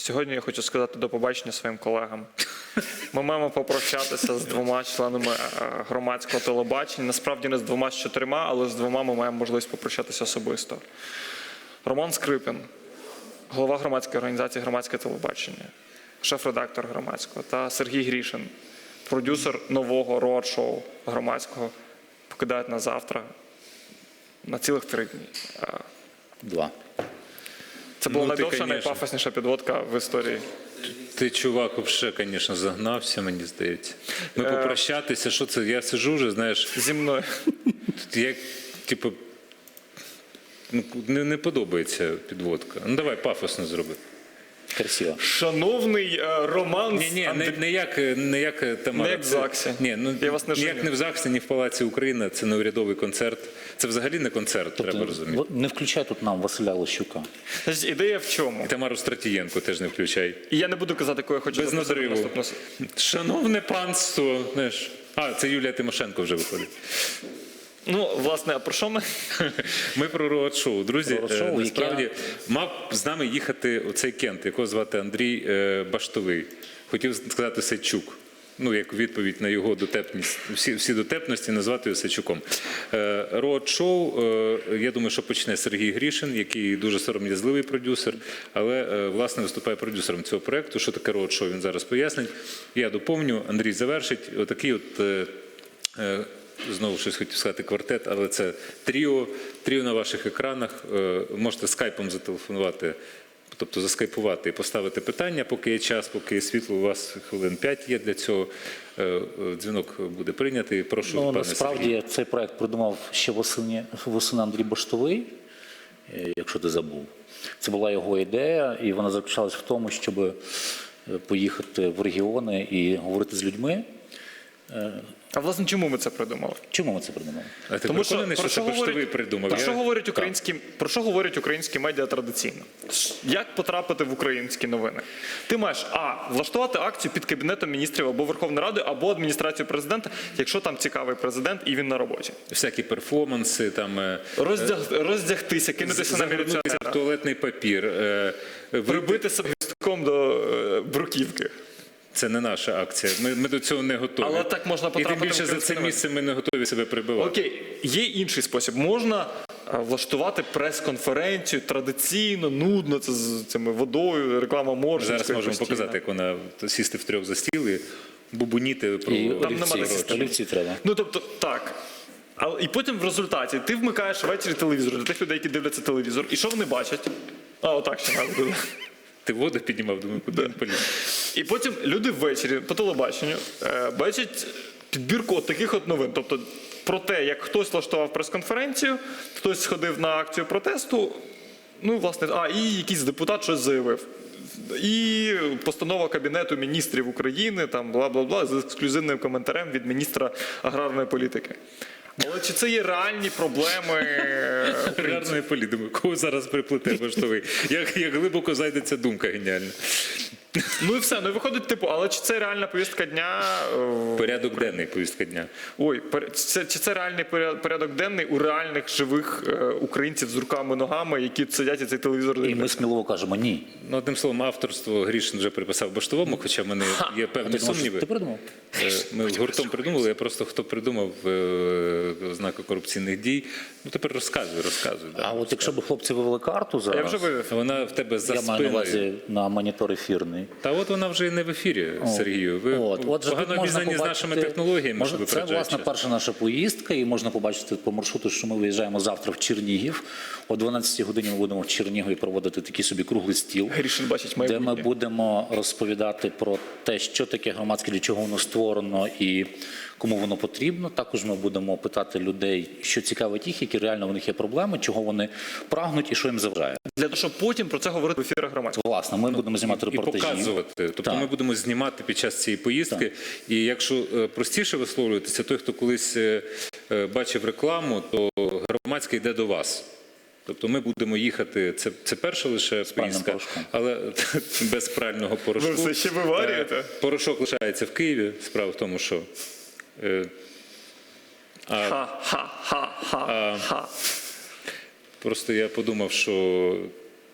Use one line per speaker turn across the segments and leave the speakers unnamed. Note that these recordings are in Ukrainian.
Сьогодні я хочу сказати до побачення своїм колегам. Ми маємо попрощатися з двома членами громадського телебачення. Насправді не з двома, з чотирма, але з двома ми маємо можливість попрощатися особисто. Роман Скрипін, голова громадської організації «Громадське телебачення», шеф-редактор громадського, та Сергій Грішин, продюсер нового роад-шоу громадського, покидають нас завтра на цілих 3 дні.
2.
Це була найдовша, найпафосніша підводка в історії.
Ти, чувак, взагалі, звісно, загнався, мені здається. Ми попрощатися, що це? Я сиджу вже, знаєш...
Зі мною.
Як, типу, не подобається підводка. Ну, давай пафосно зроби.
Красиво.
Шановний Роман...
Не як Тамара.
Не як в ЗАГСі. Я вас не
ніяк не в ЗАГСі, ні в Палаці Україна. Це не урядовий концерт. Це взагалі не концерт, треба розуміти.
Не включай тут нам Василя Лощука.
Значить, ідея в чому?
І Тамару Стратієнко теж не включай.
І я не буду казати, кого я хочу
Без надриву. Шановне панство. Знаєш. Це Юлія Тимошенко вже виходить.
Ну, власне, а про що ми?
Ми про роад-шоу. Друзі, насправді, мав з нами їхати оцей кент, якого звати Андрій Баштовий. Хотів сказати Сачук. Ну, як відповідь на його дотепність, всі дотепності назвати його Сачуком. Роад-шоу, я думаю, що почне Сергій Грішин, який дуже сором'язливий продюсер, але, власне, виступає продюсером цього проєкту. Що таке роад-шоу, він зараз пояснить. Я доповню, Андрій завершить. Отакий от... Знову щось хотів сказати квартет, але це тріо на ваших екранах. Можете скайпом зателефонувати, тобто заскайпувати і поставити питання, поки є час, поки є світло, у вас хвилин 5 є для цього. Дзвінок буде прийнятий. Прошу, пане Сергію.
Насправді цей проект придумав ще восени Андрій Баштовий, якщо ти забув. Це була його ідея, і вона заключалась в тому, щоб поїхати в регіони і говорити з людьми.
А власне, чому ми це придумали?
Чому ми це придумали?
А ти переконаний, що це Баштовий придумав?
Про що говорять українські медіа традиційно? Як потрапити в українські новини? Ти маєш, влаштувати акцію під Кабінетом міністрів або Верховної Ради, або адміністрацією президента, якщо там цікавий президент і він на роботі.
Всякі перформанси, там...
Роздягтися, кинутися на міліціонера.
В туалетний папір.
Прибити себе гвіздком до бруківки.
Це не наша акція. Ми до цього не готові.
Але так можна потрапити.
І тим більше за це місце ми не готові себе прибивати.
Окей, є інший спосіб. Можна влаштувати прес-конференцію традиційно, нудно, це з цими водою, реклама Моршинської.
Зараз можемо показати, як вона сісти втрьох за стіл і бубоніти про...
Там немає
олівці треба.
Ну, тобто, так. І потім в результаті ти вмикаєш ввечері телевізор для тих людей, які дивляться телевізор. І що вони бачать? Отак ще треба буде.
Ти воду піднімав, думаю, куди він поліз.
І потім люди ввечері по телебаченню бачать підбірку от таких от новин. Тобто про те, як хтось влаштував прес-конференцію, хтось сходив на акцію протесту, ну, власне, і якийсь депутат щось заявив. І постанова Кабінету міністрів України, там, бла-бла-бла, з ексклюзивним коментарем від міністра аграрної політики. Але чи це є реальні проблеми
аграрної політики? Кого зараз приплете Баштовий? Як глибоко зайде ця думка геніальна.
Ну і все, ну і виходить, але чи це реальна повістка дня?
Порядок денний повістка дня.
Чи це реальний порядок денний у реальних живих українців з руками-ногами, які сидять і цей телевізор дивляться?
І ми сміливо кажемо ні.
Ну, одним словом, авторство Грішин вже приписав Баштовому, хоча в мене є певні сумніви.
Ти придумав?
Ми гуртом придумали, я просто хто придумав ознаку корупційних дій. Ну, тепер розказуй.
А от якщо б хлопці вивели карту зараз...
Я вже вивів.
Вона в тебе за спиною.
Я маю на увазі на монітор ефірний.
Та от вона вже і не в ефірі, Сергію. Ви погано обізнані з нашими технологіями, щоб ви
Це, власне, перша наша поїздка, і можна побачити по маршруту, що ми виїжджаємо завтра в Чернігів. О 12 годині ми будемо в Чернігові проводити такий собі круглий стіл, де ми будемо розповідати про те, що таке громадське, для чого воно створено і кому воно потрібно. Також ми будемо питати людей, що цікавить їх, які реально в них є проблеми, чого вони прагнуть і що їм заважає.
Для того, щоб потім про це говорити в ефірах громадського.
Власне, ми будемо знімати репортажі.
І показувати. Тобто ми будемо знімати під час цієї поїздки. І якщо простіше висловлюватися, той, хто колись бачив рекламу, то громадське йде до вас. Тобто ми будемо їхати, це перша лише поїздка, але без прального порошку.
Ви все ще виварюєте?
Порошок лишається в Києві. Справа в тому, що... Просто я подумав, що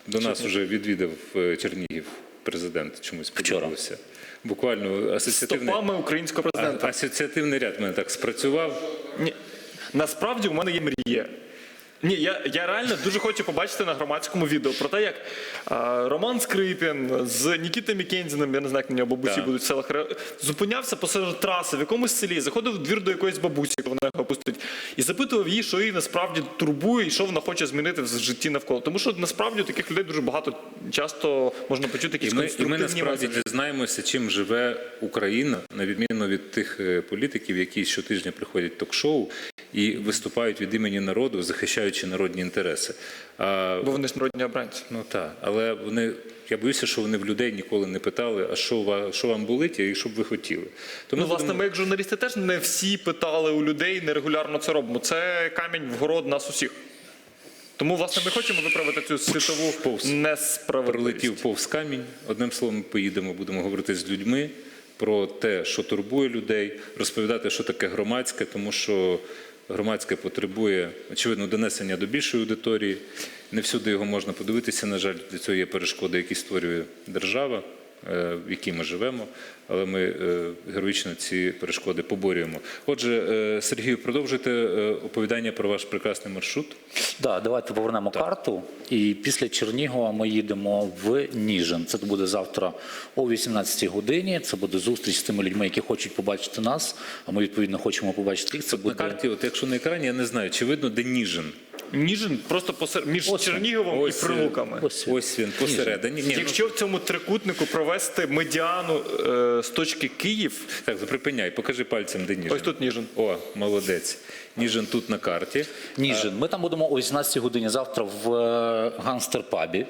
До нас вже відвідав Чернігів президент, чомусь подобалося. Буквально
Стопами українського президента.
Асоціативний ряд в мене так спрацював.
Ні. Насправді у мене є мрія. Ні, я реально дуже хочу побачити на громадському відео про те, як Роман Скрипін з Нікітою Мікензіном, я не знаю, як на нього бабусі будуть в селах, зупинявся посеред траси в якомусь селі, заходив в двір до якоїсь бабусі, коли вона його пустить, і запитував її, що її насправді турбує і що вона хоче змінити в житті навколо. Тому що насправді таких людей дуже багато, часто можна почути якісь конструктивні
І ми насправді
меседжі.
дізнаємося, чим живе Україна, на відміну від тих політиків, які щотижня приходять в ток-шоу і виступають від імені народу, захищаючи народні інтереси.
Бо вони ж народні обранці.
Ну так, але я боюся, що вони в людей ніколи не питали, а що вам болить і що б ви хотіли. Тому
Власне, ми як журналісти теж не всі питали у людей, нерегулярно це робимо. Це камінь в город нас усіх. Тому, власне, ми хочемо виправити цю світову несправедливість.
Пролетів повз камінь. Одним словом, ми поїдемо, будемо говорити з людьми про те, що турбує людей, розповідати, що таке громадське, тому що громадське потребує, очевидно, донесення до більшої аудиторії. Не всюди його можна подивитися, на жаль, для цього є перешкоди, які створює держава, в якій ми живемо, але ми героїчно ці перешкоди поборюємо. Отже, Сергію, продовжуйте оповідання про ваш прекрасний маршрут.
Так, давайте повернемо карту. І після Чернігова ми їдемо в Ніжин. Це буде завтра о 18-й годині. Це буде зустріч з тими людьми, які хочуть побачити нас, а ми, відповідно, хочемо побачити їх. Це
На
буде...
карті, якщо на екрані, я не знаю, чи видно, де Ніжин?
Ніжин просто між Черніговом і Прилуками.
Ось він, посередині.
Якщо в цьому трикутнику провести медіану з точки Київ...
Так, припиняй, покажи пальцем, де Ніжин.
Ось тут Ніжин.
О, молодець. Ніжин тут на карті.
Ніжин. Ми там будемо о 18-й годині завтра в Гангстер-пабі.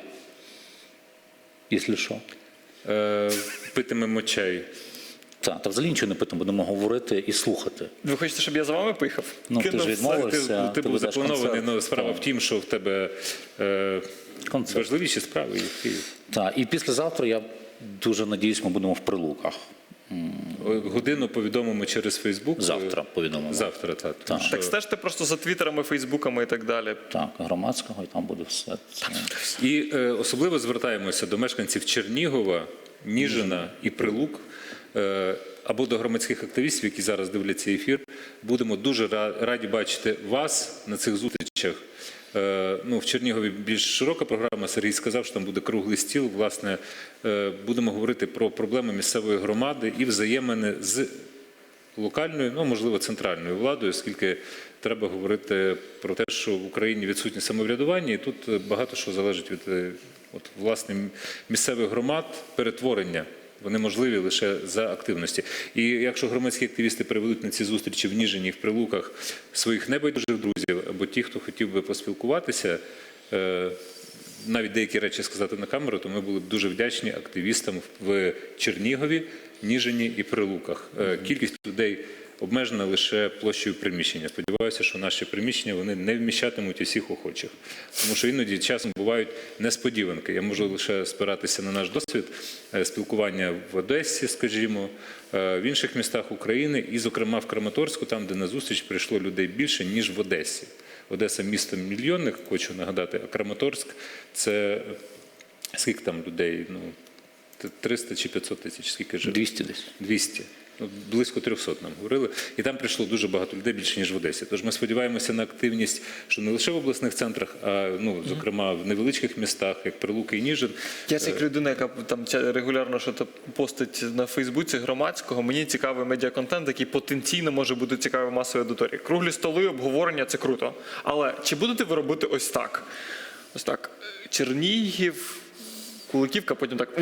Якщо що.
Питимемо чай.
Так, та взагалі нічого не питаємо, будемо говорити і слухати.
Ви хочете, щоб я за вами поїхав?
Ну, ти ж відмовився.
Ти був
ведеш
запланований,
концерт.
але справа в тім, що в тебе
Концерт.
важливіші справи є в Києві.
Так, і післязавтра, я дуже надіюсь, ми будемо в Прилуках.
Годину повідомимо через Фейсбук.
Завтра повідомимо.
Завтра, так.
Так.
Так стежте просто за твіттерами, фейсбуками і так далі.
Так, громадського, і там буде все це.
І особливо звертаємося до мешканців Чернігова, Ніжина і Прилук, або до громадських активістів, які зараз дивляться ефір. Будемо дуже раді бачити вас на цих зустрічах. В Чернігові більш широка програма. Сергій сказав, що там буде круглий стіл. Власне, будемо говорити про проблеми місцевої громади і взаємини з локальною, можливо, центральною владою, оскільки треба говорити про те, що в Україні відсутнє самоврядування, і тут багато що залежить від власне місцевих громад, перетворення. Вони можливі лише за активності. І якщо громадські активісти приведуть на ці зустрічі в Ніжині і в Прилуках своїх небайдужих друзів, або ті, хто хотів би поспілкуватися, навіть деякі речі сказати на камеру, то ми були б дуже вдячні активістам в Чернігові, Ніжині і Прилуках. Кількість людей обмежена лише площею приміщення. Сподіваюся, що наші приміщення вони не вміщатимуть усіх охочих. Тому що іноді часом бувають несподіванки. Я можу лише спиратися на наш досвід спілкування в Одесі, скажімо, в інших містах України і, зокрема, в Краматорську, там, де на зустріч прийшло людей більше, ніж в Одесі. Одеса – місто мільйонник, хочу нагадати, а Краматорськ – це скільки там людей? 300 чи 500 тисяч, скільки живе?
200 десь.
200. Близько 300 нам говорили. І там прийшло дуже багато людей, більше, ніж в Одесі. Тож ми сподіваємося на активність, що не лише в обласних центрах, а, зокрема, в невеличких містах, як Прилуки і Ніжин.
Я як людина, яка там регулярно щось постить на Фейсбуці громадського, мені цікавий медіаконтент, який потенційно може бути цікавий масовій аудиторії. Круглі столи, обговорення – це круто. Але чи будете ви робити ось так? Ось так. Чернігів, Куликівка, потім так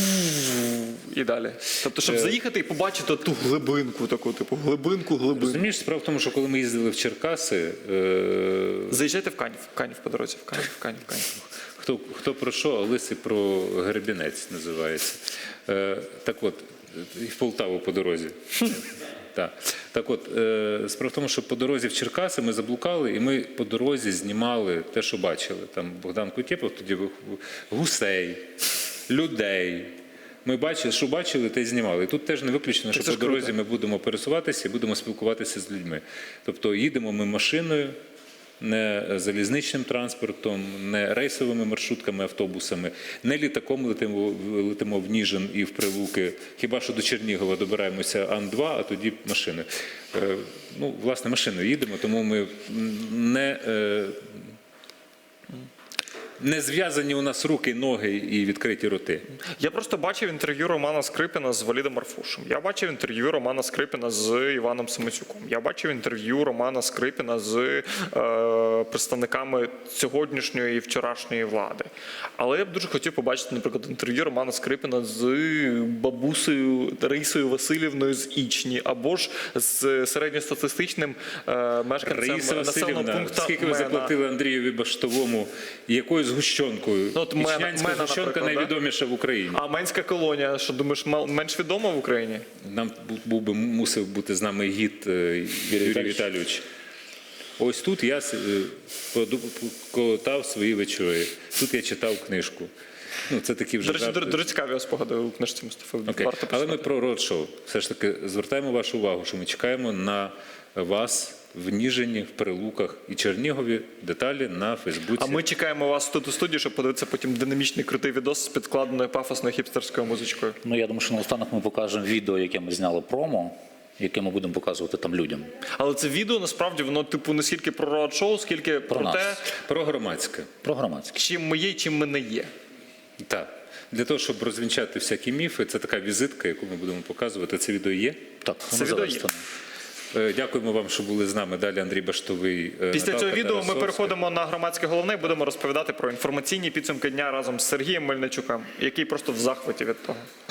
і далі. Тобто, щоб заїхати і побачити ту глибинку таку, типу глибинку.
Розумієш, справа в тому, що коли ми їздили в Черкаси...
Заїжджайте в Канів по дорозі, в Канів.
Хто про що, а лисий про Гребінець називається. Так от, і в Полтаву по дорозі. Так от, справа в тому, що по дорозі в Черкаси ми заблукали, і ми по дорозі знімали те, що бачили. Там Богдан Кутєпов тоді гусей, людей. Ми бачили, що бачили, те й знімали. І тут теж не виключено, що по дорозі ми будемо пересуватися і будемо спілкуватися з людьми. Тобто їдемо ми машиною не залізничним транспортом, не рейсовими маршрутками, автобусами, не літаком летимо в Ніжин і в Прилуки. Хіба що до Чернігова добираємося Ан-2, а тоді машини. Ну, власне, машиною їдемо, тому ми не зв'язані у нас руки, ноги і відкриті роти.
Я просто бачив інтерв'ю Романа Скрипіна з Валідом Марфушем. Я бачив інтерв'ю Романа Скрипіна з Іваном Семицюком. Я бачив інтерв'ю Романа Скрипіна з представниками сьогоднішньої і вчорашньої влади. Але я б дуже хотів побачити, наприклад, інтерв'ю Романа Скрипіна з бабусею Раїсою Васильівною з Ічні, або ж з середньостатистичним мешканцем
Раїса
населеного
Васильівна,
пункту
скільки ви заплатили Андрієві Баштовому, якою згущенкою? Ічнянська згущенка найвідоміша в Україні.
А Менська колонія, що думаєш, менш відома в Україні?
Нам мусив бути з нами гід Юрій Віталійович. Ось тут я колотав свої вечори. Тут я читав книжку. Ну, це такі вже
Дуже цікаві спогади у книжці Мустафи.
Але ми про родшоу. Все ж таки звертаємо вашу увагу, що ми чекаємо на вас в Ніжині, в Прилуках і Чернігові. Деталі на Фейсбуці.
А ми чекаємо вас тут у студії, щоб подивитися потім динамічний крутий відос з підкладеною пафосною хіпстерською музичкою.
Ну, я думаю, що наостанок ми покажемо відео, яке ми зняли промо, яке ми будемо показувати там людям.
Але це відео, насправді, воно типу не скільки про роад-шоу, скільки про те,
про громадське.
Про громадське.
чим ми є і чим ми не є.
Так. Для того, щоб розвінчати всякі міфи, це така візитка, яку ми будемо показувати. Це відео є?
Так,
це відео є.
Дякуємо вам, що були з нами. Далі Андрій Баштовий.
Після цього відео ми переходимо на громадське головне і будемо розповідати про інформаційні підсумки дня разом з Сергієм Мельничуком, який просто в захваті від того.